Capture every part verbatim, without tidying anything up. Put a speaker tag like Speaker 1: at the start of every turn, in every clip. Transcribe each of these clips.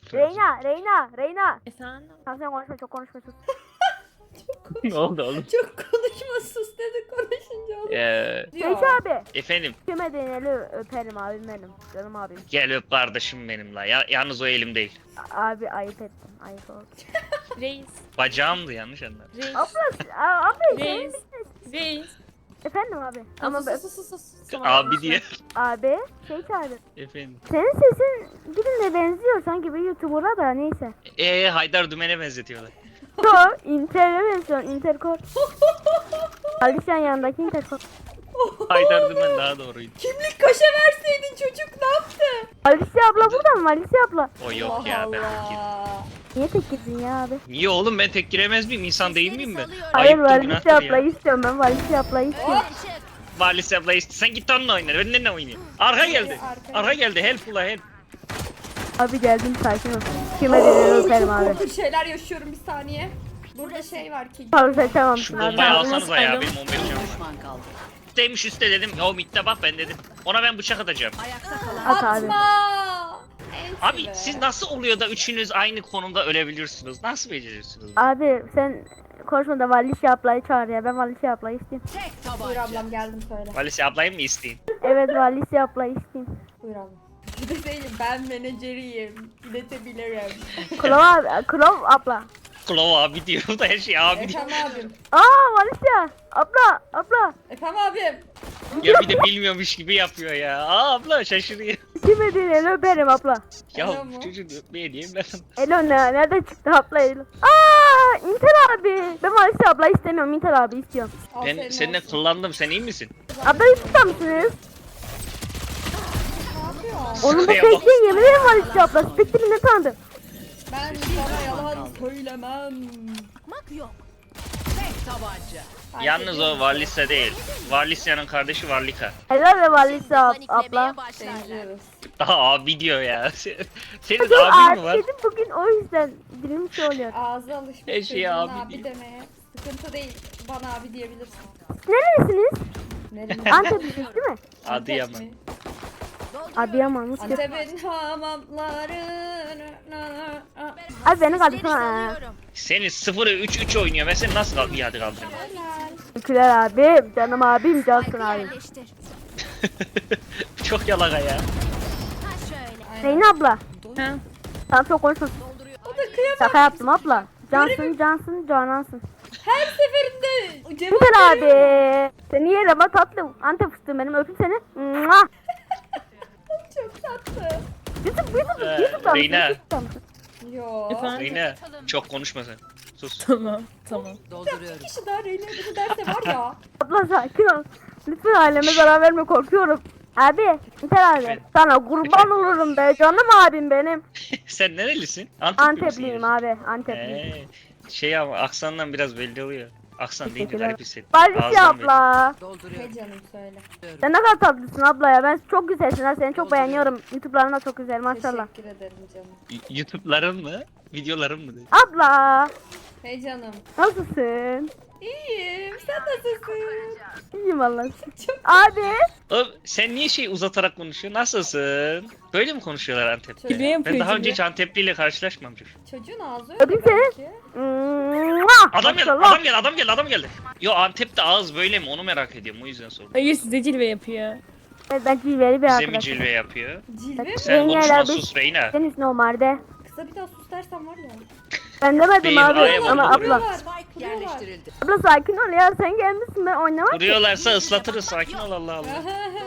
Speaker 1: Reyna, Reyna, Reyna.
Speaker 2: Efendim?
Speaker 1: Tamam sen konuşma, çok konuşma sus.
Speaker 3: Ne oldu oğlum?
Speaker 2: Çok konuşma sus dedi konuşunca oğlum.
Speaker 3: Ee,
Speaker 1: Peki abi.
Speaker 3: efendim
Speaker 1: Kime deneli öperim abim benim. Canım abim.
Speaker 3: gel öp kardeşim benim la. Ya, yalnız o elim değil.
Speaker 1: A- Abi ayıp ettim. Ayıp oldu.
Speaker 2: Reis.
Speaker 3: Bacağımdı yanlış anladın.
Speaker 2: Reis.
Speaker 1: Abla, a- abi senin...
Speaker 2: Reis. Reis.
Speaker 1: Efendim abi.
Speaker 2: Ama
Speaker 1: Ama
Speaker 2: sus sus sus sus.
Speaker 3: Abi diye.
Speaker 1: abi şey çağırdı.
Speaker 3: Efendim.
Speaker 1: Senin sesin birine benziyor sanki bir YouTuber'a da neyse.
Speaker 3: Ee Haydar Dümen'e benzetiyorlar.
Speaker 1: Yo, Inter'e benziyor. Interkor. Alişan yanındaki Interkor.
Speaker 3: Haydar Dümen daha doğruydu.
Speaker 2: Kimlik kaşe verseydin çocuk ne yaptı?
Speaker 1: Alicia abla burada mı? Alicia abla.
Speaker 3: O yok
Speaker 2: Allah
Speaker 3: ya ben
Speaker 2: Allah.
Speaker 3: tek
Speaker 1: Niye tek girdin ya abi?
Speaker 3: Niye oğlum ben tek giremez miyim? İnsan değil miyim ben?
Speaker 1: Hayır
Speaker 3: Ayıptır,
Speaker 1: Alicia
Speaker 3: günahtır ya.
Speaker 1: ablayı istiyorum ben. Alicia ablayı istiyorum.
Speaker 3: Valis abla işte sen git onunla oyna. Ben ne oynayayım? Arka geldi.
Speaker 2: Arka.
Speaker 3: Arka geldi. Help ula help.
Speaker 1: Abi geldim sakin ol. Kime deneli öperim abi.
Speaker 2: Korkunç şeyler yaşıyorum bir saniye. Burada şey var ki.
Speaker 1: Abi saçamamışsın
Speaker 3: Şu
Speaker 1: abi.
Speaker 3: bombayı
Speaker 2: Ben
Speaker 3: alsanıza ya.
Speaker 2: nasıl
Speaker 3: Benim on beş canım var. Üstteymiş üstte dedim. Ya mitte bak ben dedim. Ona ben bıçak atacağım.
Speaker 1: At abi.
Speaker 2: Atma. Enti
Speaker 3: Abi
Speaker 2: be.
Speaker 3: siz nasıl oluyor da üçünüz aynı konumda ölebiliyorsunuz? Nasıl beceriyorsunuz?
Speaker 1: Abi sen konuşma da Alicia ablayı çağır ya. Ben Alicia ablayı isteyeyim.
Speaker 2: Buyur ablam geldim söyle.
Speaker 3: Valis ablayı mı isteyin?
Speaker 1: Evet Alicia ablayı isteyeyim.
Speaker 2: Buyur ablam. Bir de değilim ben menajeriyim. İletebilirim.
Speaker 1: Klov abi. Klov abla.
Speaker 3: Klov abi diyor da her şey abi diyor.
Speaker 2: Efendim abim.
Speaker 1: Aa Alicia. Abla. Abla.
Speaker 2: Efendim abim.
Speaker 3: Ya bir de bilmiyormuş gibi yapıyor ya. Aa abla şaşırıyor.
Speaker 1: Kime deneli öperim abla.
Speaker 3: Ya
Speaker 2: Alo mu?
Speaker 3: bu çocuğu öpmeye diyeyim ben.
Speaker 1: Elo ne? Nereden çıktı abla Elo? Aa Inter abi. Ben Alicia ablayı istemiyorum. Inter abi istiyorum.
Speaker 3: Ben
Speaker 2: Aferin
Speaker 3: seninle
Speaker 2: olsun.
Speaker 3: kullandım. Sen iyi misin?
Speaker 1: Ablayı tutar mısınız?
Speaker 2: Ne yapıyor?
Speaker 1: Onun bu
Speaker 3: Şuraya bak.
Speaker 1: peki yemin ederim Alicia abla. Spektrimi ne sandın?
Speaker 2: Ben sana yalan söylemem.
Speaker 3: Yalnız o Varlisa değil. Varlisa'nın kardeşi Varlika.
Speaker 1: Helal ve Alicia ab- abla.
Speaker 2: Benziyoruz.
Speaker 3: Daha abi diyor ya. Senin
Speaker 1: Bugün
Speaker 3: abin mi
Speaker 1: abi
Speaker 3: var?
Speaker 1: dedim bugün o yüzden dilim şey oluyor.
Speaker 2: Ağzı alışmış
Speaker 3: Her şeye
Speaker 2: çocuğun
Speaker 3: abi
Speaker 2: abi,
Speaker 3: diyor.
Speaker 2: demeye. Sıkıntı değil. Bana abi diyebilirsin.
Speaker 1: Nerelisiniz?
Speaker 2: Nereye?
Speaker 1: Anteplisiz değil mi?
Speaker 3: Adıyaman.
Speaker 1: Adıyaman mı?
Speaker 2: Antep'in hamamları.
Speaker 1: Abi beni kaldırsana.
Speaker 3: Senin sıfırı üç üç oynuyor. Ben seni nasıl kal bir hadi kaldırayım?
Speaker 1: Teşekkürler abim. Canım abim. Cansın abim.
Speaker 3: Çok yalaka ya.
Speaker 1: Zeynep abla.
Speaker 2: Ha.
Speaker 1: Sen çok konuşma.
Speaker 2: O da kıyamam.
Speaker 1: Şaka yaptım abla. Cansın, cansın, canansın.
Speaker 2: Her seferinde cevap
Speaker 1: Güzel
Speaker 2: veriyor.
Speaker 1: abi. Seni yerim ha tatlım. Antep fıstığım benim öpeyim seni. Mua.
Speaker 2: Çok tatlı.
Speaker 1: YouTube, YouTube,
Speaker 3: Ee,
Speaker 1: YouTube'da mısın?
Speaker 3: Reyna.
Speaker 1: YouTube'da mısın?
Speaker 2: Yo.
Speaker 4: Efendim?
Speaker 3: Reyna çok konuşma sen. Sus.
Speaker 4: Tamam, tamam.
Speaker 2: Bir kişi daha Reyna bunu derse var ya.
Speaker 1: Abla sakin ol. Lütfen aileme zarar verme korkuyorum. Abi, Inter abi.
Speaker 3: Efendim?
Speaker 1: Sana kurban
Speaker 3: Efendim?
Speaker 1: olurum be canım abim benim.
Speaker 3: Sen nerelisin? Antepli
Speaker 1: Antepliyim
Speaker 3: misin?
Speaker 1: abi, Antepliyim.
Speaker 3: Ee, şey ama aksandan biraz belli oluyor. Aksan deyince
Speaker 1: Teşekkürler.
Speaker 3: garip hissettim.
Speaker 1: Barış
Speaker 3: Ağızdan belli.
Speaker 1: abla.
Speaker 2: Hey canım söyle.
Speaker 1: Sen ne kadar tatlısın abla ya. Ben çok güzelsin ha. Seni çok beğeniyorum. YouTube'ların da çok güzel maşallah.
Speaker 2: Teşekkür ederim canım.
Speaker 3: Y- YouTube'ların mı? Videoların mı? dedi?
Speaker 1: Abla.
Speaker 2: Hey canım.
Speaker 1: Nasılsın?
Speaker 2: İyiyim. Sen nasılsın?
Speaker 1: İyiyim vallahi.
Speaker 2: Çok
Speaker 1: Abi.
Speaker 3: Oğlum sen niye şey uzatarak konuşuyorsun? Nasılsın? Böyle mi konuşuyorlar Antep'te?
Speaker 4: Gibi yapıyor
Speaker 3: Ben daha
Speaker 4: gibi.
Speaker 3: önce hiç Antepli ile karşılaşmamışım.
Speaker 2: çocuğun ağzı öyle
Speaker 1: Öpeyim seni.
Speaker 2: belki.
Speaker 1: Mua!
Speaker 3: Adam geldi,
Speaker 1: Maşallah.
Speaker 3: adam geldi, adam geldi, adam geldi. Yo Antep'te ağız böyle mi? Onu merak ediyorum. O yüzden sordum.
Speaker 4: Hayır size cilve yapıyor.
Speaker 1: Evet, ben cilveli bir
Speaker 3: Bize mi
Speaker 1: arkadaşım.
Speaker 3: cilve yapıyor?
Speaker 2: Cilve mi?
Speaker 3: Sen
Speaker 1: Yengeler
Speaker 3: konuşma
Speaker 1: biz-
Speaker 3: sus Reyna.
Speaker 1: Senin normalde.
Speaker 2: Kısa bir daha sus dersen var ya.
Speaker 1: Ben demedim
Speaker 3: Değil,
Speaker 1: abi
Speaker 3: ayıp
Speaker 1: ama
Speaker 3: oldu,
Speaker 1: abla.
Speaker 2: Kuruyorlar. Kuruyorlar.
Speaker 1: Abla sakin ol ya sen gelmişsin ben oynamak.
Speaker 3: Vuruyorlarsa ıslatırız. Sakin ol Allah Allah.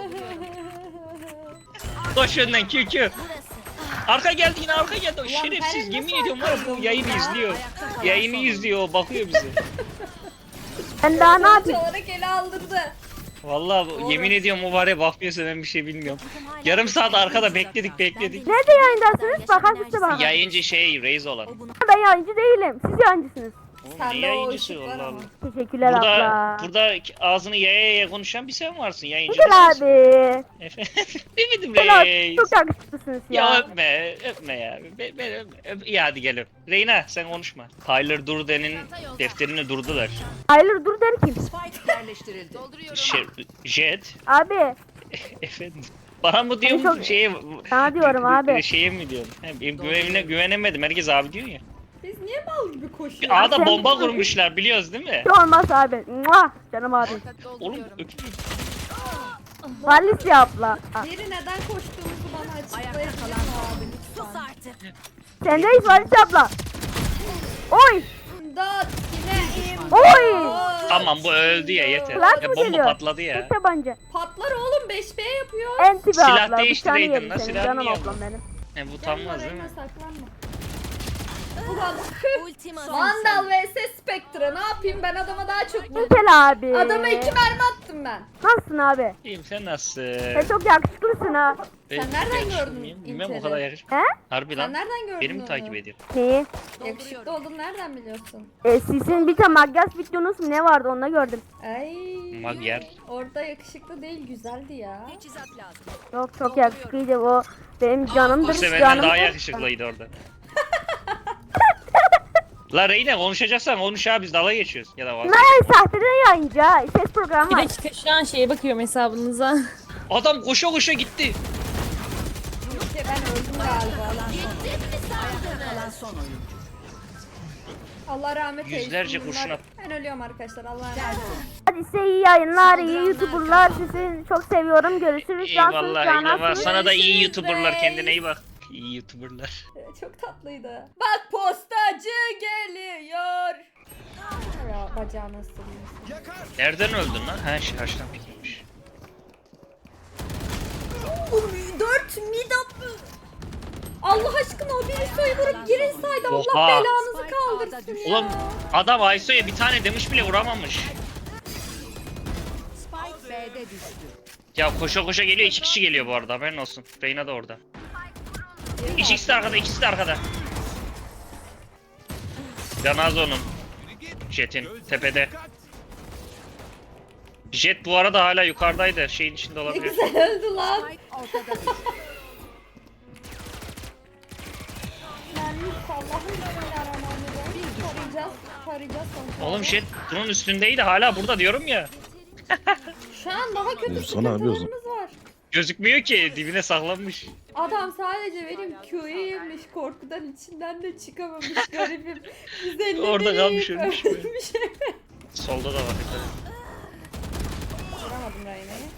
Speaker 3: Koş önden Q Q. Arka geldi yine arka geldi. O
Speaker 2: Ulan
Speaker 3: şerefsiz
Speaker 2: ben
Speaker 3: yemin
Speaker 2: nasıl
Speaker 3: ediyorum var ya bu
Speaker 2: arkalıyorum
Speaker 3: yayını
Speaker 2: ya?
Speaker 3: izliyor. Yayını izliyor o bakıyor bize.
Speaker 1: Ben daha ne yapayım?
Speaker 2: olarak ele aldırdı.
Speaker 3: Vallahi bu- yemin ediyorum o var ya bakmıyorsa ben bir şey bilmiyorum. Yarım saat arkada bekledik bekledik.
Speaker 1: Nerede yayındasınız? Bakar size bana.
Speaker 3: Yayıncı şey Reis olan.
Speaker 1: Ben yayıncı değilim. Siz yayıncısınız.
Speaker 3: Oğlum
Speaker 2: Sen
Speaker 3: ne
Speaker 2: de o
Speaker 3: yayıncısı
Speaker 2: ışık var
Speaker 3: Allah
Speaker 2: ama.
Speaker 3: Allah.
Speaker 1: Teşekkürler
Speaker 3: Burada,
Speaker 1: abla.
Speaker 3: burada ağzını yaya yaya konuşan bir sen varsın yayıncı.
Speaker 1: Güzel
Speaker 3: mısın?
Speaker 1: abi.
Speaker 3: Efendim demedim
Speaker 1: Güzel abi.
Speaker 3: Reis.
Speaker 1: Çok yakışıklısınız
Speaker 3: Ya
Speaker 1: ya.
Speaker 3: öpme, öpme ya. Ben, ben öp, öp. İyi hadi gel öp. Reyna sen konuşma. Tyler Durden'in defterini durdular.
Speaker 1: Hayır dur der kim?
Speaker 5: Spike yerleştirildi.
Speaker 3: Şey, Jet.
Speaker 1: Abi.
Speaker 3: Efendim. Bana mı diyorsun
Speaker 1: çok-
Speaker 3: şeye?
Speaker 1: Sana diyorum abi.
Speaker 3: Şeye mi diyorsun? He, benim güvenine güvenemedim. Herkes abi diyor ya.
Speaker 2: Biz niye mal gibi koşuyoruz?
Speaker 3: Bir A'da
Speaker 1: Sen-
Speaker 3: bomba kurmuşlar biliyoruz değil mi?
Speaker 1: Hiç olmaz abi. Mua! Canım abi.
Speaker 3: Oğlum öpeyim.
Speaker 1: Valis abla. Ha,
Speaker 2: Biri neden koştuğumuzu bana açıklayabilir mi abi lütfen?
Speaker 1: sendeyiz Valis abla. Oy!
Speaker 2: İmdat yine imdat.
Speaker 1: Oy!
Speaker 3: Tamam bu öldü ya yeter.
Speaker 1: Flash
Speaker 3: Ya
Speaker 1: mı
Speaker 3: bomba
Speaker 1: geliyor?
Speaker 3: patladı ya.
Speaker 1: Tek tabanca.
Speaker 2: Patlar oğlum beş B yapıyor.
Speaker 1: En tipi
Speaker 3: Silah
Speaker 1: abla.
Speaker 3: değiştireydin
Speaker 1: Bıçağını
Speaker 3: lan,
Speaker 1: yedim senin.
Speaker 3: silah
Speaker 1: Canım
Speaker 3: niye
Speaker 1: ablam
Speaker 3: aldın?
Speaker 1: benim.
Speaker 3: He bu
Speaker 2: Gelme
Speaker 3: utanmaz değil
Speaker 2: Reyna,
Speaker 3: mi?
Speaker 2: saklanma. Ulan Vandal vs Spectre ne yapayım ben adama daha çok vurdum.
Speaker 1: Intel abi.
Speaker 2: Adama iki mermi attım ben.
Speaker 1: Nasılsın abi?
Speaker 3: İyiyim sen nasılsın?
Speaker 1: Sen çok yakışıklısın ha.
Speaker 3: Ben
Speaker 2: Sen nereden
Speaker 3: yakışıklı
Speaker 2: gördün
Speaker 3: mıyım? Bilmem o
Speaker 2: İlter'i?
Speaker 3: kadar yakışıklı.
Speaker 1: He?
Speaker 3: Harbi
Speaker 2: Sen
Speaker 3: lan.
Speaker 2: nereden gördün
Speaker 3: Beni mi
Speaker 2: onu?
Speaker 3: takip ediyor?
Speaker 1: Neyi?
Speaker 2: Yakışıklı olduğunu nereden biliyorsun?
Speaker 1: E, sizin bir tane Magas videonuz mu ne vardı onu da gördüm.
Speaker 2: Ay.
Speaker 3: Magyar.
Speaker 2: Orada yakışıklı değil güzeldi ya.
Speaker 1: Yok çok yakışıklıydı o. Benim canımdır.
Speaker 3: İşte benden
Speaker 1: canım.
Speaker 3: daha yakışıklıydı orada. La Reyna konuşacaksan konuş abi biz dalga geçiyoruz. Ya da vazgeç.
Speaker 1: Ne sahteden yayıncı ha. Ses programı
Speaker 4: Bir
Speaker 1: var.
Speaker 4: dakika şu an şeye bakıyorum hesabınıza.
Speaker 3: Adam koşa koşa gitti.
Speaker 2: Ke ben öldüm galiba. Allah rahmet eylesin.
Speaker 3: Yüzlerce
Speaker 2: bunlar-
Speaker 3: kurşun at-
Speaker 2: Ben ölüyorum arkadaşlar. Allah rahmet eylesin.
Speaker 1: Hadi size iyi yayınlar, iyi YouTuber'lar. Sizi çok seviyorum. Görüşürüz. Cansınız,
Speaker 3: Eyvallah eyvallah.
Speaker 1: canansınız.
Speaker 3: Sana da iyi
Speaker 2: Görüşürüz
Speaker 3: YouTuber'lar
Speaker 2: reis.
Speaker 3: kendine iyi bak. İyi YouTuber'lar.
Speaker 2: Ee, Çok tatlıydı. Bak postacı geliyor. Ya bacağını ısırıyorsun.
Speaker 3: Nereden öldün lan? Ha şey haştan pikirmiş.
Speaker 2: Dört mid up. Allah aşkına o biri soyulup girin saydı. Allah
Speaker 3: Oha.
Speaker 2: belanızı kaldırsın ya.
Speaker 3: Ulan adam Ayso'ya bir tane demiş bile vuramamış. Ya koşa koşa geliyor, iki kişi geliyor bu arada haberin olsun. Reyna da orada. İkisi de arkada, ikisi de arkada. Ganazo'nun. Jet'in tepede. Jet bu arada hala yukarıdaydı. Şeyin içinde
Speaker 2: Ne
Speaker 3: olabilir.
Speaker 2: güzel öldü lan. Mermi Allah'ım bismillahirrahmanirrahim. Tarayacağız, tarayacağız sonuçta.
Speaker 3: Oğlum Jet bunun üstündeydi hala burada diyorum ya.
Speaker 2: Şu an daha kötü
Speaker 5: Vursana abi o zaman.
Speaker 2: sıkıntılarımız var.
Speaker 3: Gözükmüyor ki dibine saklanmış.
Speaker 2: Adam sadece benim Q'yu yemiş, korkudan içinden de çıkamamış garibim. yüz elli
Speaker 3: Orada
Speaker 2: biri
Speaker 3: kalmış,
Speaker 2: yiyip
Speaker 3: ölmüş
Speaker 2: ölmüş.
Speaker 3: Solda da var. dikkat et.
Speaker 2: Vuramadım Reyna'yı.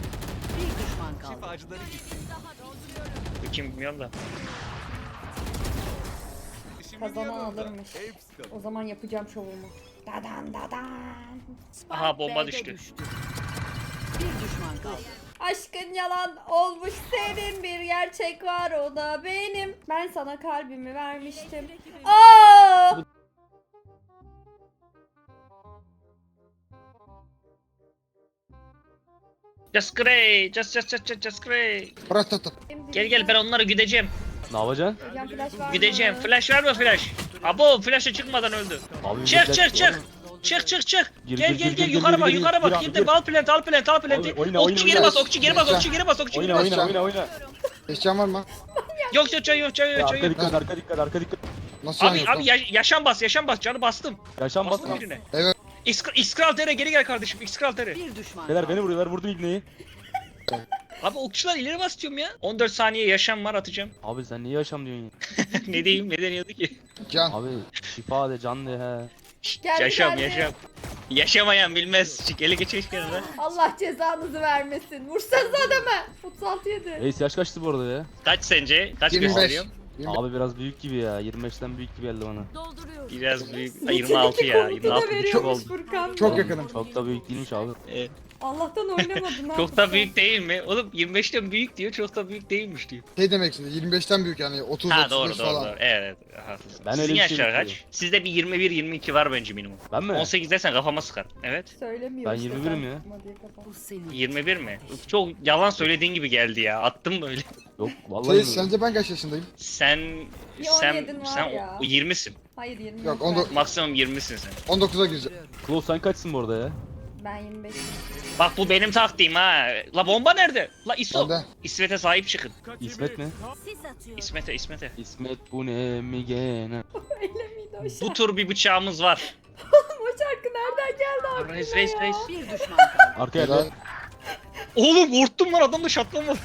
Speaker 3: Bu kim bilmiyorum da.
Speaker 2: Kazanan alırmış. O zaman yapacağım şovumu. Dadan dadan.
Speaker 3: Aha bomba düştü.
Speaker 2: Aşkın yalan olmuş senin bir gerçek var o da benim. Ben sana kalbimi vermiştim. Aa!
Speaker 3: Just grey, just just just just, just grey.
Speaker 5: Bırak tut tut.
Speaker 3: Gel gel ben onları güdeceğim.
Speaker 6: Ne yapacaksın?
Speaker 2: Hocam flash var mı?
Speaker 3: Güdeceğim. Flash var mı flash? Abo flash'a çıkmadan öldü.
Speaker 6: Abi
Speaker 3: Çık
Speaker 6: bir
Speaker 3: çık
Speaker 6: dakika
Speaker 3: çık.
Speaker 6: oğlum.
Speaker 3: Çık çık çık.
Speaker 6: Gir,
Speaker 3: Gel
Speaker 6: gir,
Speaker 3: gel
Speaker 6: gir,
Speaker 3: gel
Speaker 6: gir,
Speaker 3: yukarı
Speaker 6: gir,
Speaker 3: bak
Speaker 6: gir,
Speaker 3: yukarı
Speaker 6: gir
Speaker 3: bak.
Speaker 6: abi,
Speaker 3: Girdim
Speaker 6: gir.
Speaker 3: al plant al plant al planti.
Speaker 6: Oyna, oyna,
Speaker 3: Okçu
Speaker 6: oyna,
Speaker 3: geri bas
Speaker 5: oyna.
Speaker 3: okçu geri bas
Speaker 5: Oyna.
Speaker 3: okçu geri bas okçu geri
Speaker 6: Oyna
Speaker 3: bas.
Speaker 6: oyna oyna oyna.
Speaker 5: Eşyan var mı?
Speaker 3: Yok yok yok yok
Speaker 6: Ya,
Speaker 3: yok
Speaker 6: arka
Speaker 3: yok.
Speaker 6: dikkat arka dikkat arka dikkat.
Speaker 5: Nasıl yan
Speaker 3: Abi
Speaker 5: yok
Speaker 3: abi
Speaker 5: lan?
Speaker 3: ya- yaşam bas yaşam bas canı bastım.
Speaker 6: Yaşam bas.
Speaker 3: Bastım birine.
Speaker 5: Evet.
Speaker 3: İskral İskral tere geri gel kardeşim İskral tere.
Speaker 6: Beyler beni vuruyorlar vurdum ibneyi.
Speaker 3: Abi okçular ileri bas diyorum ya. on dört saniye yaşam var atacağım.
Speaker 6: Abi sen niye yaşam diyorsun ya?
Speaker 3: Ne diyeyim ne deniyordu ki?
Speaker 5: Can.
Speaker 6: Abi şifa de can de he.
Speaker 3: Şşt,
Speaker 2: Geldi,
Speaker 3: yaşam
Speaker 2: geldi.
Speaker 3: yaşam. Yaşamayan bilmez. Çık ele geçmiş kenara.
Speaker 2: Allah cezanızı vermesin. Vursanız adamı. otuz altı yedi.
Speaker 6: Reis yaş kaçtı bu arada ya?
Speaker 3: Kaç sence? Kaç
Speaker 5: yirmi beş.
Speaker 3: gösteriyor?
Speaker 5: yirmi beş.
Speaker 6: Abi biraz büyük gibi ya. yirmi beşten büyük gibi geldi bana.
Speaker 3: Biraz büyük. Ay, yirmi altı ya. yirmi altı buçuk
Speaker 2: Çok
Speaker 3: oldu.
Speaker 2: Furkan.
Speaker 5: Çok
Speaker 6: Oğlum,
Speaker 5: yakınım.
Speaker 6: Çok da büyük değilmiş abi.
Speaker 3: Evet.
Speaker 2: Allah'tan oynamadın ha.
Speaker 3: Çok da büyük değil mi? Oğlum yirmi beşten büyük diyor. Çok da büyük değilmiş diyor.
Speaker 5: Şey demek şimdi yirmi beşten büyük yani otuz
Speaker 3: Ha
Speaker 5: otuz
Speaker 3: doğru
Speaker 5: beş
Speaker 3: doğru
Speaker 5: falan.
Speaker 3: doğru. Evet evet. Haklısın.
Speaker 6: Ben
Speaker 3: Sizin
Speaker 6: öyle bir şey
Speaker 3: yaşlar kaç?
Speaker 6: bekliyorum.
Speaker 3: Sizde bir yirmi bir yirmi iki var bence minimum.
Speaker 6: Ben mi?
Speaker 3: on sekiz desen kafama sıkar. Evet.
Speaker 2: Söylemiyor
Speaker 6: Ben
Speaker 2: işte,
Speaker 6: yirmi birim
Speaker 2: sen
Speaker 6: ya.
Speaker 2: sıkma diye kafam.
Speaker 3: yirmi bir mi? Çok yalan söylediğin gibi geldi ya. Attım böyle.
Speaker 6: Yok vallahi
Speaker 5: Şey,
Speaker 6: mi?
Speaker 5: sence ben kaç yaşındayım?
Speaker 3: Sen
Speaker 2: Bir
Speaker 3: sen
Speaker 2: on yedin var
Speaker 3: sen
Speaker 2: ya.
Speaker 3: o yirmisin.
Speaker 2: Hayır yirmi.
Speaker 5: Yok,
Speaker 2: ben.
Speaker 5: on dokuz.
Speaker 3: Maksimum yirmisin sen.
Speaker 5: on dokuza gireceğim.
Speaker 6: Klo sen kaçsın bu arada ya?
Speaker 2: Ben yirmi beş.
Speaker 3: Bak bu benim taktiğim ha. La bomba nerede? La İso.
Speaker 5: Bende.
Speaker 3: İsmet'e sahip çıkın.
Speaker 6: İsmet mi?
Speaker 3: İsmet'e İsmet'e.
Speaker 6: İsmet bu ne mi gene?
Speaker 2: Öyle miydi o şarkı?
Speaker 3: Bu tur bir bıçağımız var.
Speaker 2: O şarkı nereden geldi aklına
Speaker 3: Reis reis
Speaker 2: ya?
Speaker 3: reis.
Speaker 6: Arkaya
Speaker 5: Helal.
Speaker 6: da.
Speaker 3: Oğlum korktum lan adamda şatlama var.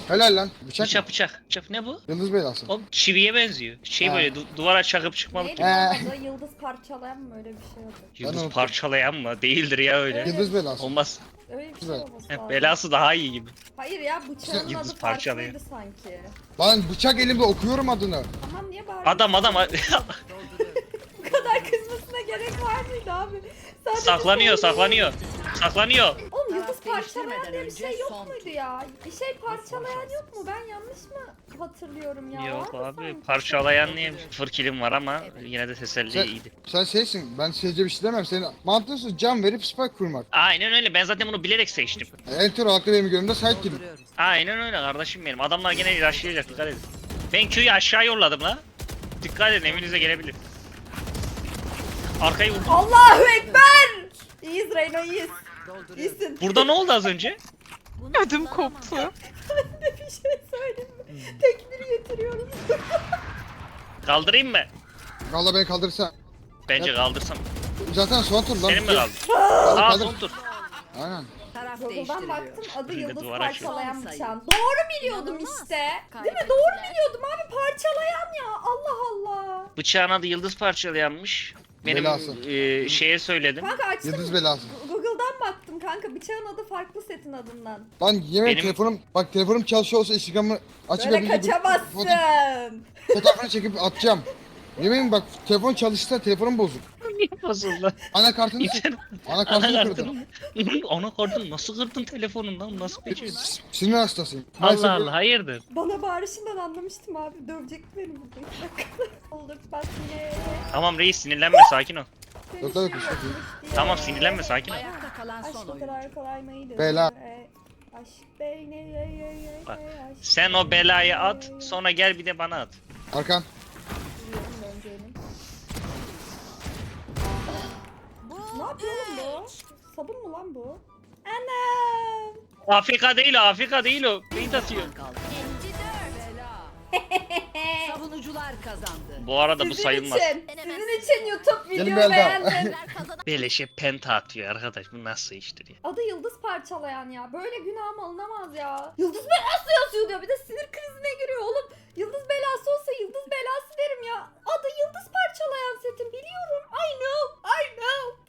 Speaker 5: Helal lan. Bıçak,
Speaker 3: Bıçak
Speaker 5: mı?
Speaker 3: bıçak. Bıçak ne bu?
Speaker 5: Yıldız belası.
Speaker 3: Oğlum çiviye benziyor. Şey
Speaker 5: Ha.
Speaker 3: böyle du- duvara çakıp çıkmalık.
Speaker 2: Neydi
Speaker 5: Ee.
Speaker 2: lan adı? Yıldız parçalayan mı öyle bir şey oldu?
Speaker 3: Yıldız
Speaker 5: unuttum.
Speaker 3: parçalayan mı? Değildir ya öyle.
Speaker 2: Evet.
Speaker 5: Yıldız belası.
Speaker 3: Olmaz.
Speaker 2: Öyle bir şey
Speaker 5: Güzel.
Speaker 2: olması
Speaker 3: Heh,
Speaker 2: lazım.
Speaker 3: belası daha iyi gibi.
Speaker 2: Hayır ya bıçağın
Speaker 3: Yıldız
Speaker 2: adı
Speaker 3: parçalayan.
Speaker 2: farklıydı sanki.
Speaker 5: Lan bıçak elimde okuyorum adını.
Speaker 2: Tamam niye bağırıyorsun?
Speaker 3: Adam adam
Speaker 2: Bu kadar kızmasına gerek var mıydı abi? Sadece
Speaker 3: saklanıyor
Speaker 2: söyleyeyim.
Speaker 3: saklanıyor. Saklanıyor.
Speaker 2: Oğlum yıldız
Speaker 7: Taraf
Speaker 2: parçalayan
Speaker 7: değiştirmeden
Speaker 2: diye bir
Speaker 7: önce
Speaker 2: şey yok
Speaker 7: son
Speaker 2: muydu ya? Bir şey parçalayan yok mu? Ben yanlış mı hatırlıyorum ya?
Speaker 3: Yok
Speaker 2: Vardı
Speaker 3: abi
Speaker 2: sanki.
Speaker 3: parçalayan niye? Sıfır kilim var ama yine de teselli
Speaker 5: Sen,
Speaker 3: iyiydi.
Speaker 5: sen şeysin, ben seyirci bir şey demem. Senin mantığın can verip spike kurmak.
Speaker 3: Aynen öyle ben zaten bunu bilerek seçtim.
Speaker 5: Enter haklı benim görümde side kill.
Speaker 3: Aynen öyle kardeşim benim. Adamlar gene ilaçlayacak dikkat edin. Ben Q'yu aşağı yolladım la. Dikkat edin evinize gelebilir. Arkayı vurdum.
Speaker 2: Allahu Ekber! İyiyiz Reyno iyiyiz. İyisin.
Speaker 3: Burada ne oldu az önce?
Speaker 4: Ödüm koptu.
Speaker 2: bir şey söyleyeyim mi? Tekbiri getiriyorum.
Speaker 3: Kaldırayım mı?
Speaker 5: Valla beni kaldırırsa.
Speaker 3: Bence
Speaker 5: Evet.
Speaker 3: kaldırsam.
Speaker 5: Zaten son tur lan.
Speaker 3: Senin mi kaldı?
Speaker 5: Kaldır,
Speaker 3: Aa
Speaker 5: kaldır.
Speaker 3: son tur.
Speaker 5: Aynen.
Speaker 7: Taraf
Speaker 2: Google'dan
Speaker 7: değiştiriliyor.
Speaker 2: baktım adı
Speaker 3: Bir de
Speaker 2: yıldız
Speaker 3: duvara
Speaker 2: parçalayan
Speaker 7: çek.
Speaker 2: bıçağın. Doğru biliyordum işte. Değil mi? Doğru biliyordum abi parçalayan ya. Allah Allah.
Speaker 3: Bıçağın adı yıldız parçalayanmış. Benim
Speaker 5: Belası.
Speaker 3: e, şeye söyledim.
Speaker 2: Kanka açtım.
Speaker 5: Yıldız belası.
Speaker 2: Google'dan baktım kanka bıçağın adı farklı setin adından.
Speaker 5: Lan yemin
Speaker 3: Benim-
Speaker 5: telefonum, bak telefonum çalışıyor olsa Instagram'ı açıp
Speaker 2: Böyle
Speaker 5: bir-
Speaker 2: kaçamazsın.
Speaker 5: foto- Fotoğrafını çekip atacağım. Yemin bak telefon çalışsa telefonum bozuk.
Speaker 3: Niye bozuldu?
Speaker 5: Anakartını sık.
Speaker 3: İnternet
Speaker 5: Anakartını
Speaker 3: anakartını
Speaker 5: kırdım.
Speaker 3: mı? Anakartını nasıl kırdın telefonundan? Nasıl becerdin?
Speaker 5: Sinir hastasıyım. Maalesef
Speaker 3: Allah Allah hayırdır?
Speaker 2: Bana bağırışından anlamıştım abi. Dövecek beni burada. iki dakika. Olur bak yine.
Speaker 3: Tamam reis sinirlenme sakin ol.
Speaker 5: Yok, yok, yok.
Speaker 3: Tamam sinirlenme sakin ol.
Speaker 7: Ayakta kalan son
Speaker 2: Aşk o
Speaker 7: oyuncu.
Speaker 2: kadar kolay mıydı?
Speaker 5: Bela.
Speaker 2: E, Aşk beyni. ey, ey, ey, ey,
Speaker 3: Bak,
Speaker 2: aşk
Speaker 3: Sen o belayı at
Speaker 2: beyni.
Speaker 3: sonra gel bir de bana at.
Speaker 5: Arkan.
Speaker 2: Biliyorum döneceğini. Ne yapıyor oğlum bu? Sabun mu lan bu? Anam.
Speaker 3: Afrika değil o Afrika değil o. Beyit atıyor.
Speaker 7: Kaldı. Savunucular kazandı.
Speaker 3: Bu arada bu
Speaker 2: Sizin
Speaker 3: sayılmaz.
Speaker 2: için. Sizin için YouTube
Speaker 5: Gelin
Speaker 2: videoyu
Speaker 5: Belda.
Speaker 2: beğendim.
Speaker 3: Beleşe penta atıyor arkadaş bu nasıl iştir ya.
Speaker 2: Adı yıldız parçalayan ya. Böyle günahım alınamaz ya. Yıldız mı?